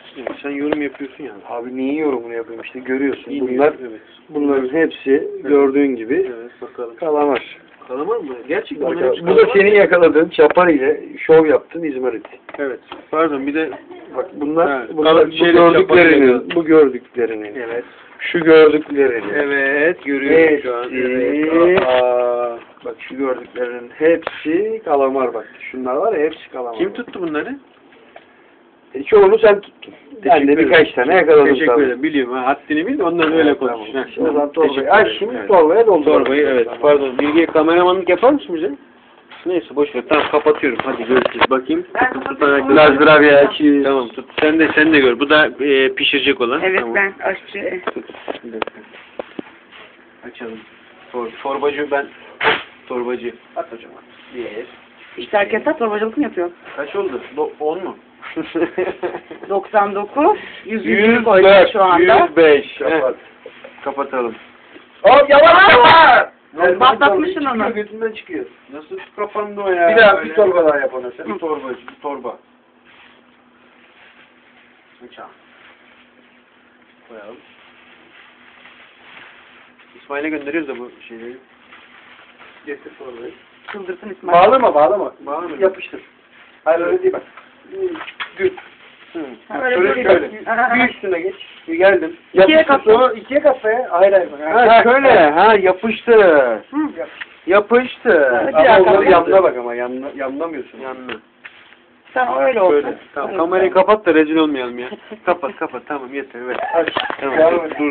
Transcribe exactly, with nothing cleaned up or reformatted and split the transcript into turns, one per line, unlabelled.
Sen yorum yapıyorsun yani.
Abi niye yorumunu yapayım işte görüyorsun.
İyi
Bunlar,
evet.
bunların hepsi gördüğün gibi
Evet bakalım.
kalamar.
Kalamar mı? Gerçekten
Bak,
bunlar hepsi
bu da
kalamar
senin
mı?
yakaladığın çapar ile şov yaptın İzmarit.
Evet. Pardon bir de
Bak bunlar,
Ha,
bunlar
kalan
bu
şeyle çapar ile
gördüklerinin, bu gördüklerinin,
evet.
şu gördüklerinin.
Evet görüyorum şu an.
Hepsi,
Evet. Aa.
bak şu gördüklerinin hepsi kalamar bak. Şunlar var ya hepsi kalamar.
Kim tuttu bunları?
E, çoğunu sen tuttun. Ben de
Teşekkür
birkaç
ederim.
tane yakaladım.
Teşekkür
tabii.
ederim. Biliyorum. Ha, haddini bil. Ondan öyle konuş.
Tamam.
Ha,
O zaman torbayı
teşekkür
aç
ederim.
şimdi
Evet.
torbaya doldur.
Torbayı evet. Pardon. Bilge kameramanlık yapar mısın bize? Neyse boş ver. Tamam kapatıyorum. Hadi görüşürüz. Bakayım.
Ben
Tut, tut,
kapatıyorum.
tut,
Biraz gravya iki.
Tamam tut. Sen de sen de gör. Bu da e, pişirecek olan.
Evet
Tamam.
ben aşçı.
Bir dakika. Açalım. Tor, torbacı ben. Torbacı. At hocam at. Bir.
İşte herkes torbacılık mı yapıyor?
Kaç oldu? Do, on mu?
doksan dokuz, yüz
yüz
yüz koydum şu anda.
yüz beş.
Kapat. Kapatalım.
Hop yavaş yavaş.
Patlatmışsın onu.
Çıkıyor, götünden çıkıyor.
Nasıl kapandı o ya?
Bir daha bir
Böyle.
torba daha yap ona sen.
Bir torbacı, bir torba. Bıçağı. Koyalım. İsmail'e gönderiyoruz da bu şeyleri. Getir torbayı.
Çıldırsın İsmail.
Bağlama bağlama.
Bağlama.
Yapıştır. Hayır öyle değil bak. Gül.
Hı.
Ha, öyle
Şöyle
böyle.
şöyle.
Aha.
Bir üstüne geç. Bir geldim.
İkiye
Yapıştır
katla.
sonra ikiye katla ya. Hayır hayır.
Ha şöyle, ha yapıştı.
Hı.
Yapıştı.
Evet.
Ama
dakika,
onları
bir
yanına bak ama yanına, yanlamıyorsun.
Yanına.
Tamam öyle olsun.
Şöyle. Tamam kamerayı kapat da rezil olmayalım ya. Kapat kapat tamam yeter evet.
Aç.
Tamam
Devam
dur,
et.
dur